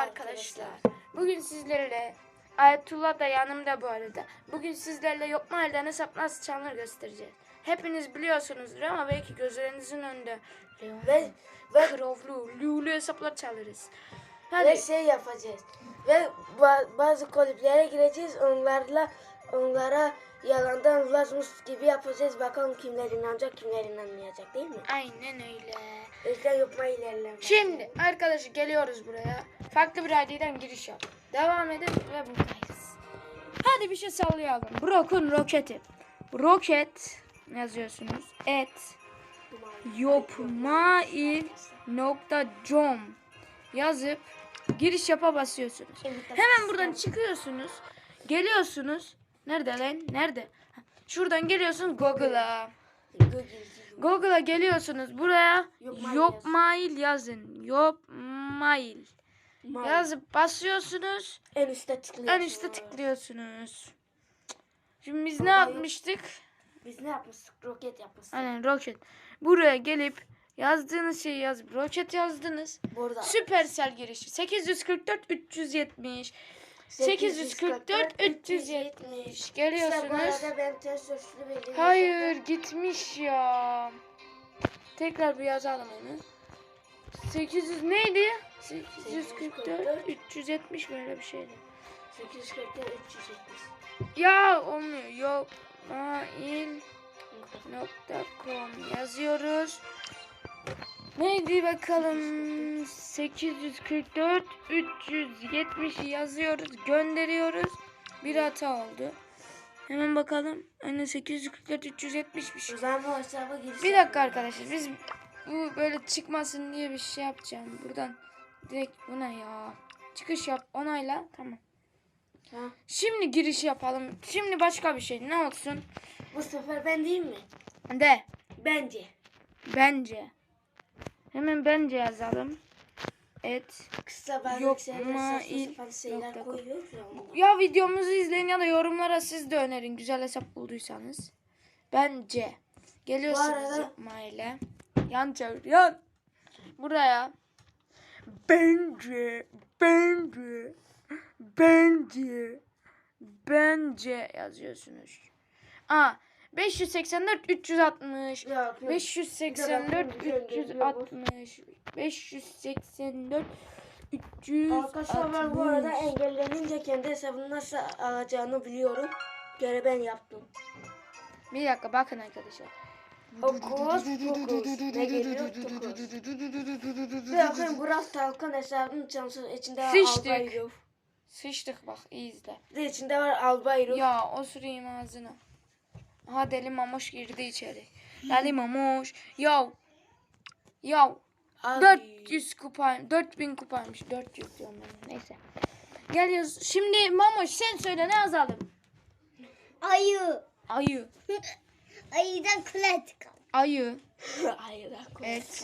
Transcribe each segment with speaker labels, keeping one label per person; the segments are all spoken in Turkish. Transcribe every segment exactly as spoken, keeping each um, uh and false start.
Speaker 1: arkadaşlar. Bugün sizlerle Ayetullah da yanımda bu arada. Bugün sizlerle yok mahalleden hesap nasıl çalınır göstereceğiz. Hepiniz biliyorsunuzdur ama belki gözlerinizin önünde
Speaker 2: Ve ve
Speaker 1: krovlu, lulu hesaplar çalarız.
Speaker 2: ve
Speaker 1: Hadi.
Speaker 2: şey yapacağız. Ve ba- bazı kulüplere gireceğiz. Onlarla onlara yalandan ulaşmış gibi yapacağız. Bakalım kimler inanacak, kimler inanmayacak, değil mi?
Speaker 1: Aynen öyle.
Speaker 2: O yüzden yapma ilerleme.
Speaker 1: Şimdi arkadaşlar geliyoruz buraya. Farklı bir I D'den giriş yap. Devam edin ve buradayız. Hadi bir şey sallayalım. Brock'un roketi. Roket yazıyorsunuz. Et yopmail.com yazıp giriş yapa basıyorsunuz. Hemen buradan çıkıyorsunuz. Geliyorsunuz. Nerede lan? Nerede? Şuradan geliyorsunuz Google'a. Google'a geliyorsunuz. Buraya
Speaker 2: Yopmail
Speaker 1: Yopmail yazın. Yopmail. Yazıp basıyorsunuz.
Speaker 2: En üstte tıklıyorsunuz.
Speaker 1: En üstte tıklıyorsunuz. Şimdi biz ne yapmıştık?
Speaker 2: Biz ne yapmıştık? Roket yapmıştık.
Speaker 1: Aynen roket. Buraya gelip yazdığınız şeyi yazıp roket yazdınız.
Speaker 2: Burada.
Speaker 1: Süpersel girişi. sekiz yüz kırk dört üç yüz yetmiş. sekiz yüz kırk dört üç yüz yetmiş.
Speaker 2: İşte bu
Speaker 1: Geliyorsunuz.
Speaker 2: arada ben ters sözlü bildiğim
Speaker 1: Hayır gitmiş ya. Tekrar bir yazalım onu. sekiz yüz neydi? sekiz yüz kırk dört üç yüz yetmiş böyle bir şeydi.
Speaker 2: sekiz yüz kırk dört üç yüz yetmiş.
Speaker 1: Ya olmuyor. Yok. mail nokta com yazıyoruz. Neydi bakalım? sekiz yüz kırk dört üç yüz yetmiş yazıyoruz. Gönderiyoruz. Bir hata oldu. Hemen bakalım. Aynen sekiz yüz kırk dört üç yüz yetmişmiş.
Speaker 2: O zaman bu hesaba giriş
Speaker 1: Bir dakika arkadaşlar. Biz bu böyle çıkmasın diye bir şey yapacağım. Buradan direkt buna ya. Çıkış yap. Onayla. Tamam.
Speaker 2: Ha.
Speaker 1: Şimdi giriş yapalım. Şimdi başka bir şey. Ne olsun?
Speaker 2: Bu sefer ben değil mi?
Speaker 1: De.
Speaker 2: Bence.
Speaker 1: Bence. Hemen bence yazalım. Et.
Speaker 2: Kısa bazen
Speaker 1: Yok,
Speaker 2: şeyler
Speaker 1: ma-
Speaker 2: saçma
Speaker 1: il-
Speaker 2: sapan şeyler
Speaker 1: nokta com.
Speaker 2: koyuyoruz ya. ondan.
Speaker 1: Ya videomuzu izleyin ya da yorumlara siz de önerin. Güzel hesap bulduysanız. Bence. Geliyorsunuz
Speaker 2: Bu arada-
Speaker 1: yapma ile. Yan çevir. Yan. Buraya. Bence. Bence. Bence. Bence yazıyorsunuz. Aa. beş yüz seksen dört üç yüz altmış.
Speaker 2: Ya,
Speaker 1: beş yüz seksen dört üç yüz altmış. beş yüz seksen dört üç yüz altmış.
Speaker 2: Arkadaşlar ben bu arada engellenince kendi hesabını nasıl alacağını biliyorum. Göre ben yaptım.
Speaker 1: Bir dakika bakın arkadaşlar.
Speaker 2: Okus pokus. Ne geliyor? Tokus. Ve bakın Burak Talkan hesabının çalışan içinde var
Speaker 1: Sıçtık.
Speaker 2: Albayrov.
Speaker 1: Sıçtık bak iyi izle.
Speaker 2: Ve içinde var Albayrov.
Speaker 1: Ya o süreyim ağzına. Aha deli mamoş girdi içeri. Deli mamoş. Yav. Yav.
Speaker 2: Abi.
Speaker 1: dört yüz kupayım. dört bin kupaymış. dört yüz diyorum ben. Neyse. Geliyoruz. Şimdi mamoş sen söyle ne yazalım?
Speaker 3: Ayı.
Speaker 1: Ayı.
Speaker 3: Ayıdan kule çıkar.
Speaker 1: Ayı.
Speaker 2: Hayır.
Speaker 1: Evet.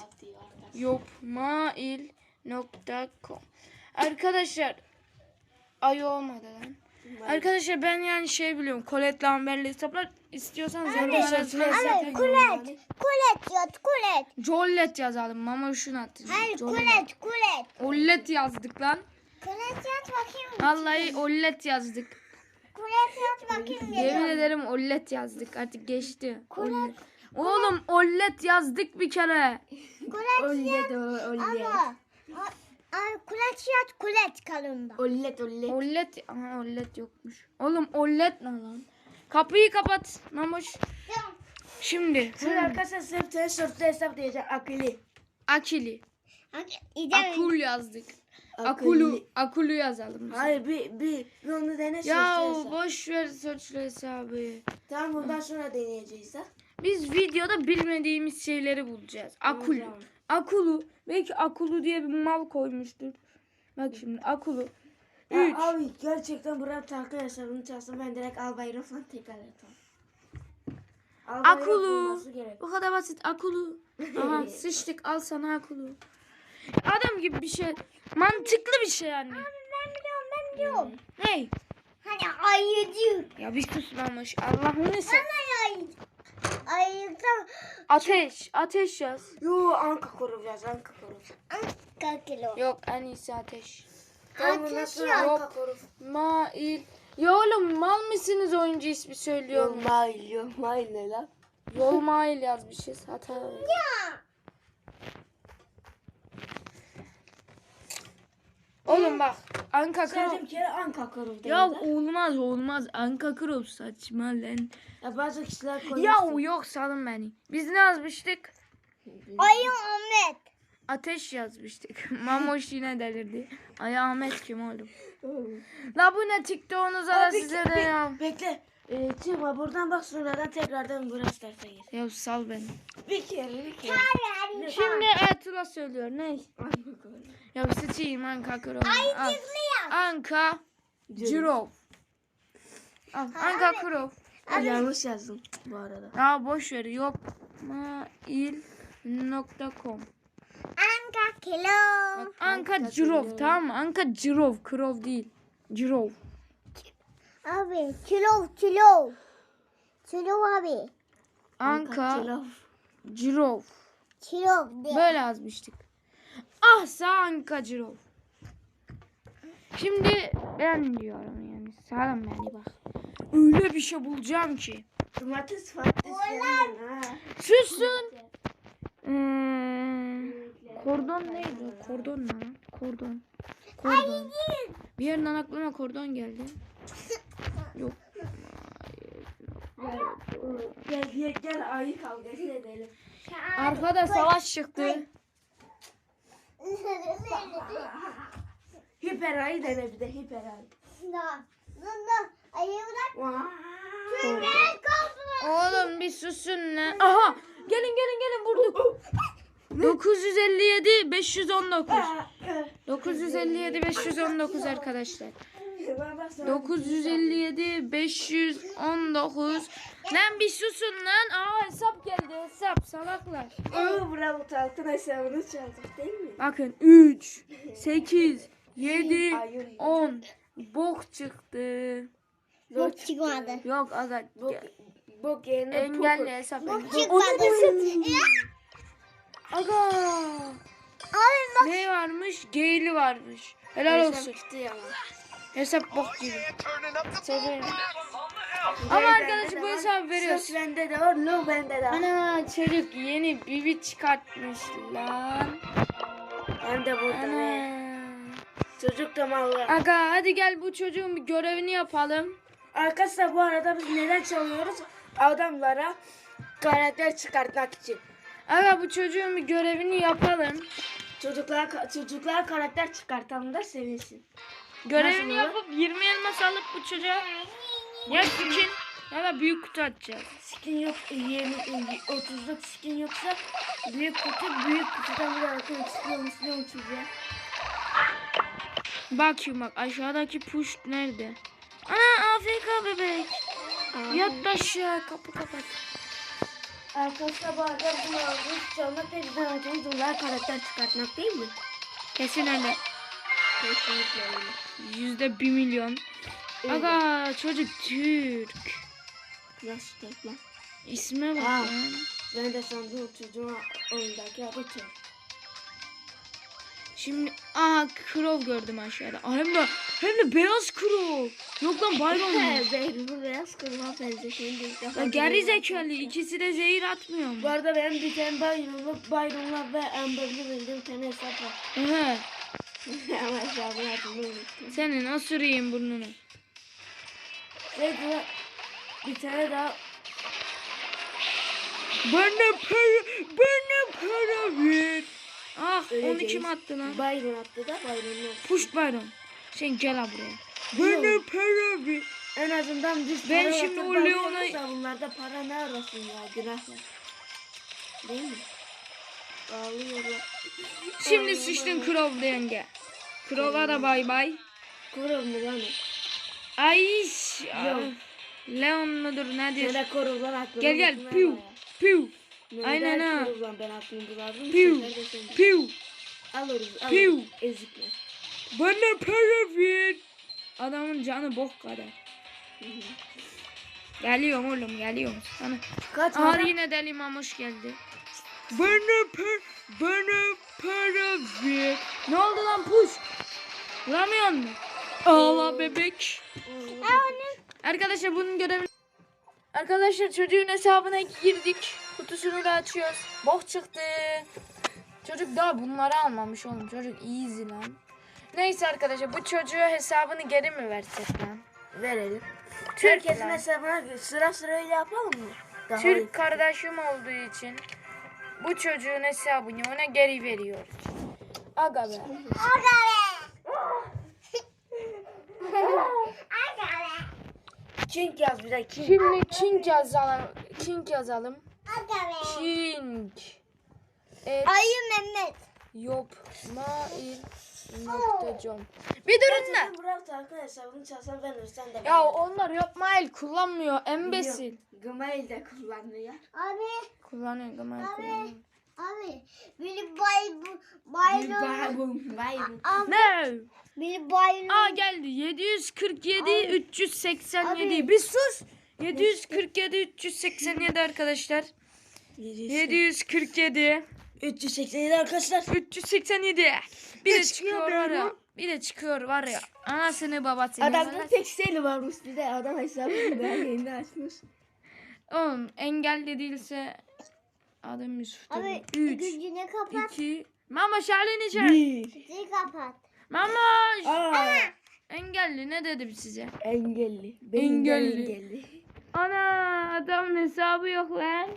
Speaker 1: Yopmail nokta com. Arkadaşlar ayı olmadı lan. Arkadaşlar ben yani şey biliyorum. Colette Lambert'li hesaplar istiyorsanız yorumlara yazın.
Speaker 3: Hayır kulet. Kulet yat kulet.
Speaker 1: Jollet yazalım. Mama şunu attı.
Speaker 3: Hayır
Speaker 1: Jollet.
Speaker 3: kulet kulet.
Speaker 1: Ollet yazdık lan.
Speaker 3: Kulet yat bakayım.
Speaker 1: Vallahi ollet yazdık.
Speaker 3: Kulet yat bakayım.
Speaker 1: Yemin ederim ollet yazdık. Artık geçti. Ollet. Oğlum ollet yazdık bir kere.
Speaker 3: Kulet
Speaker 2: Ollet ollet.
Speaker 3: ama. Ay kulet yat kulet kalında.
Speaker 2: Ollet ollet.
Speaker 1: Ollet. Aha ollet yokmuş. Oğlum ollet ne lan? Kapıyı kapat. Mamuş. Şimdi.
Speaker 2: Şimdi arkadaşlar sırf ters sözlü hesap diyeceğim. Akıllı.
Speaker 1: Akili.
Speaker 3: İdem.
Speaker 1: Akul yazdık.
Speaker 2: Akıllı.
Speaker 1: Akulu. Akulu yazalım. biz.
Speaker 2: Hayır bir, bir, bir onu dene
Speaker 1: Ya
Speaker 2: sözlü hesap.
Speaker 1: boş ver sözlü hesabı.
Speaker 2: Tamam bundan sonra deneyeceğiz ha.
Speaker 1: Biz videoda bilmediğimiz şeyleri bulacağız. Akulu.
Speaker 2: Tamam.
Speaker 1: Akulu. Belki akulu diye bir mal koymuştur. Bak şimdi akulu.
Speaker 2: Ya
Speaker 1: Üç.
Speaker 2: abi gerçekten Burak Talkan hesabını çalsın ben direkt Albayrov'la tekrar atalım. Albayrov
Speaker 1: Akulu.
Speaker 2: bulması gerek.
Speaker 1: Bu kadar basit. Akulu. Aha sıçtık. Al sana akulu. Adam gibi bir şey. Mantıklı bir şey yani.
Speaker 3: Ben biliyorum ben biliyorum.
Speaker 1: Ney?
Speaker 3: Hani ayıcı.
Speaker 1: Ya bir susmamış. Allah'ını sen.
Speaker 3: Ay ayıdan
Speaker 1: Ateş. Ateş yaz.
Speaker 2: Yo Anka koru biraz Anka koru.
Speaker 3: kaç kilo.
Speaker 1: Yok en iyisi ateş.
Speaker 2: Tam bundan
Speaker 3: Ateş
Speaker 2: sonra
Speaker 3: yok.
Speaker 2: Anka Koruf.
Speaker 1: Mail. Ya oğlum mal mısınız oyuncu ismi söylüyor mu?
Speaker 2: Mail, yok mail ne lan?
Speaker 1: Yol mail yazmışız. Hata. Oğlum bak. Anka
Speaker 2: Sadece
Speaker 1: Krov.
Speaker 2: bir kere Anka Koruf
Speaker 1: Ya
Speaker 2: dedi.
Speaker 1: olmaz olmaz. Anka Krov saçma lan.
Speaker 2: Ya bazı kişiler konuştu.
Speaker 1: Ya yok salın beni. Biz ne yazmıştık?
Speaker 3: Ayı Ahmet.
Speaker 1: Ateş yazmıştık. Mamoş yine delirdi. Ay Ahmet kim oğlum? La bu ne TikTok'unuza da
Speaker 2: Abi,
Speaker 1: size de ya.
Speaker 2: Bekle. Ee, çıkma buradan bak sonradan tekrardan burası tarafa gir.
Speaker 1: Ya sal beni.
Speaker 2: Bir kere bir kere.
Speaker 1: Şimdi Ertuğrul söylüyor. Ne? Ya sıçayım Anka Krov. Al. Anka Cirov. Al. Anka Krov.
Speaker 2: Yanlış yazdım bu arada.
Speaker 1: Ya boş ver. Yok. Mail nokta com.
Speaker 3: Anka kilo.
Speaker 1: Bak, Anka Cirov tamam mı? Anka Cirov. Krov değil. Cirov.
Speaker 3: Abi kilo kilo. Kilo abi.
Speaker 1: Anka
Speaker 2: Cilaf.
Speaker 1: Cirov.
Speaker 3: Kilo de.
Speaker 1: Böyle yazmıştık. Ah sağ Anka Cirov. Şimdi ben diyorum yani. Sağlam beni bak. Öyle bir şey bulacağım ki.
Speaker 2: Domates patates falan ha.
Speaker 1: Sussun. Hmm, kordon neydi? o? Kordon ne lan? Kordon. Kordon. Bir yerden aklıma kordon geldi. Yok.
Speaker 2: Gel gel gel ayı kavgası edelim.
Speaker 1: Arkada savaş çıktı.
Speaker 2: Hiper ayı dene bir de hiper ayı.
Speaker 3: Da. Da. Ayı bırak.
Speaker 2: Vaa.
Speaker 3: Ben kaldım.
Speaker 1: Oğlum bir susun lan. Aha! Gelin gelin gelin vurduk. dokuz yüz elli yedi beş yüz on dokuz. dokuz yüz elli yedi beş yüz on dokuz arkadaşlar. dokuz yüz elli yedi beş yüz on dokuz. Lan bir susun lan. Aa hesap geldi hesap salaklar.
Speaker 2: Oo bravo Talkın hesabını çaldık değil mi?
Speaker 1: Bakın üç, sekiz, yedi,
Speaker 2: Ayın.
Speaker 1: on. Bok çıktı.
Speaker 3: Bok çıkmadı.
Speaker 1: Yok aga.
Speaker 2: Bu bu gene
Speaker 1: Engelli hesap.
Speaker 3: Bok
Speaker 1: engelli.
Speaker 3: çıkmadı.
Speaker 1: Aga.
Speaker 3: Abi bak.
Speaker 1: Ne varmış? Geyli varmış. Helal olsun.
Speaker 2: çıktı ya.
Speaker 1: Hesap bok gibi.
Speaker 2: Severim.
Speaker 1: Ama arkadaşlar bu hesabı veriyoruz.
Speaker 2: Sus bende de var, lo bende de var.
Speaker 1: Ana çocuk yeni bibi çıkartmış lan.
Speaker 2: Ben de burada be.
Speaker 1: Ana.
Speaker 2: Çocuk da mallı.
Speaker 1: Aga hadi gel bu çocuğun bir görevini yapalım.
Speaker 2: Arkadaşlar bu arada biz neden çalıyoruz? Adamlara karakter çıkartmak için.
Speaker 1: Aga bu çocuğun bir görevini yapalım.
Speaker 2: Çocuklar çocuklar karakter çıkartalım da sevinsin.
Speaker 1: Görevini
Speaker 2: Nasıl olur?
Speaker 1: yapıp yirmi elmas alıp bu çocuğa ya skin ya da büyük kutu atacağız.
Speaker 2: Skin yok, yirmi, otuzluk skin yoksa büyük kutu, büyük kutudan bir arkadaş çıkıyormuş ne uçacak?
Speaker 1: Bakayım bak aşağıdaki push nerede? Ana A F K bebek. Yat aşağı kapı kapat.
Speaker 2: Arkadaşlar bu arada bunu aldık. Çalmak ve bizden amacımız onlara karakter çıkartmak değil mi?
Speaker 1: Kesin öyle.
Speaker 2: Kesinlikle öyle.
Speaker 1: Yüzde bir milyon. Aga çocuk Türk.
Speaker 2: Nasıl tek lan?
Speaker 1: İsme bak
Speaker 2: Aa.
Speaker 1: lan.
Speaker 2: Ben de sandım çocuğun oyundaki adı Türk.
Speaker 1: Şimdi aha krov gördüm aşağıda. Aa, hem de hem de beyaz krov. Yok lan bayram mı?
Speaker 2: Benim beyaz kırma felsefeyi de ilk defa
Speaker 1: Ya geri
Speaker 2: görüyorum.
Speaker 1: zekalı ikisi de zehir atmıyor mu?
Speaker 2: Bu arada benim bir tane Byron'la, Byron'la ve Amber'lı bildiğim tane hesap var.
Speaker 1: Ehe.
Speaker 2: Ama hesabını hatırlamı unuttum.
Speaker 1: Senin osurayım burnunu.
Speaker 2: Ve de bir tane daha
Speaker 1: Bana para, bana para ver. Ah
Speaker 2: Öyle
Speaker 1: onu
Speaker 2: değil.
Speaker 1: kim attı lan?
Speaker 2: Byron attı da Byron'la.
Speaker 1: Push Byron. Sen gel ha buraya.
Speaker 2: Biliyorum.
Speaker 1: Bana para ver.
Speaker 2: En azından biz
Speaker 1: Ben
Speaker 2: para
Speaker 1: şimdi
Speaker 2: yatıp
Speaker 1: o Leon'a-
Speaker 2: bakıyoruz da bunlarda para ne arasın ya günahlar. Değil mi? Ağlıyorlar.
Speaker 1: Şimdi sıçtın krov yenge. Krova da bay bay.
Speaker 2: Korov mu lan o?
Speaker 1: Ay.
Speaker 2: Yok.
Speaker 1: Leon mudur nedir?
Speaker 2: Neden korovlar aklını
Speaker 1: Gel gel
Speaker 2: unutma
Speaker 1: piu
Speaker 2: ya.
Speaker 1: piu
Speaker 2: Neden
Speaker 1: Aynen ha.
Speaker 2: korovdan ben aklımı bulardım.
Speaker 1: piu
Speaker 2: Sefer de sen-
Speaker 1: piu.
Speaker 2: Alırız
Speaker 1: Piu.
Speaker 2: alırız. Ezikler.
Speaker 1: Bana para ver. Adamın canı bok kadar. Geliyorum oğlum geliyorum. Sana.
Speaker 2: Kaç
Speaker 1: Aha
Speaker 2: adam?
Speaker 1: yine deli mamuş geldi. Bana para, bana para ver. Ne oldu lan push? Bulamıyor musun? Ağla bebek. Arkadaşlar bunun görevi... Arkadaşlar çocuğun hesabına girdik. Kutusunu da açıyoruz. Bok çıktı. Çocuk daha bunları almamış oğlum. Çocuk easy lan. Neyse arkadaşlar bu çocuğa hesabını geri mi versek lan?
Speaker 2: Verelim.
Speaker 1: Türk
Speaker 2: Herkesin
Speaker 1: lan.
Speaker 2: hesabına sıra sıra öyle yapalım mı? Daha
Speaker 1: Türk
Speaker 2: iyi.
Speaker 1: kardeşim olduğu için bu çocuğun hesabını ona geri veriyoruz. Aga be.
Speaker 2: King yaz bir de King.
Speaker 1: Şimdi King yazalım. King yazalım. King. Evet.
Speaker 3: Ayı Mehmet.
Speaker 1: Yok. Mail. Nokta com. Bir durun da.
Speaker 2: Ben Burak Tarkan hesabını çalsam ben ölsem de.
Speaker 1: Ya onlar yok mail kullanmıyor. Embesil.
Speaker 2: Gmail de kullanmıyor.
Speaker 3: Abi.
Speaker 1: Kullanıyor Gmail
Speaker 3: Abi.
Speaker 1: kullanıyor.
Speaker 3: Abi. Beni bay bayram.
Speaker 2: Bayım, bayım.
Speaker 1: Ne?
Speaker 3: Beni bayram.
Speaker 1: Aa geldi. yedi yüz kırk yedi üç yüz seksen yedi.
Speaker 3: Abi.
Speaker 1: Bir sus. yedi yüz kırk yedi üç yüz seksen yedi arkadaşlar. yedi yüz kırk yedi
Speaker 2: üç yüz seksen yedi arkadaşlar.
Speaker 1: üç yüz seksen yedi. Bir de
Speaker 2: Ne
Speaker 1: çıkıyor
Speaker 2: çıkıyor
Speaker 1: var ya.
Speaker 2: böyle?
Speaker 1: Bir de çıkıyor var ya. Anasını babasını.
Speaker 2: Adamda tek seli varmış bir de adam hesabını daha yeni açmış.
Speaker 1: Oğlum engelli değilse adım Yusuf.
Speaker 3: Abi
Speaker 1: üç,
Speaker 3: gücünü kapat.
Speaker 1: iki. Mama şalini çek.
Speaker 2: Bir.
Speaker 3: Gücünü kapat.
Speaker 1: Mama.
Speaker 2: Aa,
Speaker 1: Engelli ne dedim size?
Speaker 2: engelli. Benim de
Speaker 1: Engelli.
Speaker 2: engelli.
Speaker 1: Ana adamın hesabı yok lan.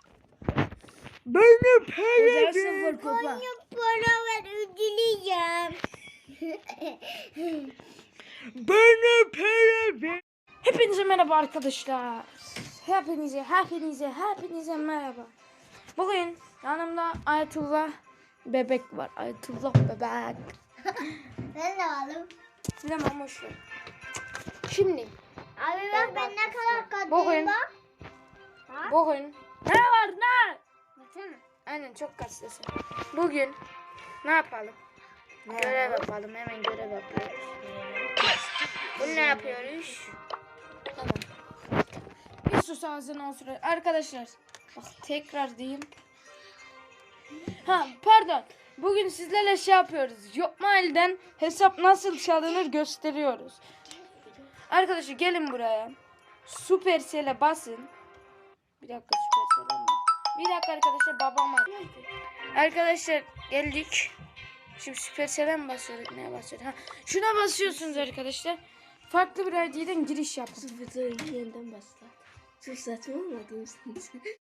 Speaker 1: Benim
Speaker 2: Özel sıfır kupa.
Speaker 3: Para ver ödüleceğim.
Speaker 1: Bana para ver. Hepinize merhaba arkadaşlar. Hepinize, hepinize, hepinize merhaba. Bugün yanımda Ayetullah bebek var. Ayetullah bebek.
Speaker 3: Ben de aldım.
Speaker 1: Bilemem boş ver. Şimdi
Speaker 3: Abi bak ben ne kadar katlıyım
Speaker 1: Bugün-
Speaker 3: bak. Ha?
Speaker 1: bugün ne var ne?
Speaker 3: Baksana.
Speaker 1: Aynen çok kaslısın. Bugün ne yapalım? Görev yapalım. Hemen görev yapıyoruz. Bunu ne yapıyoruz? Tamam. Bir sus ağzına olsun. Arkadaşlar bak tekrar diyeyim. Ha pardon. Bugün sizlerle şey yapıyoruz. Yokmail'den hesap nasıl çalınır gösteriyoruz. Arkadaşlar gelin buraya. Supercell'e basın. Bir dakika Supercell'e mi? Bir dakika arkadaşlar babam var. Arkadaşlar geldik. Şimdi Supercell'e mi basıyorduk? Neye basıyorduk? Ha, şuna basıyorsunuz arkadaşlar. Farklı bir I D'den giriş yapın.
Speaker 2: Sıfır yeniden başlat. Çok saçma olmadı mısınız?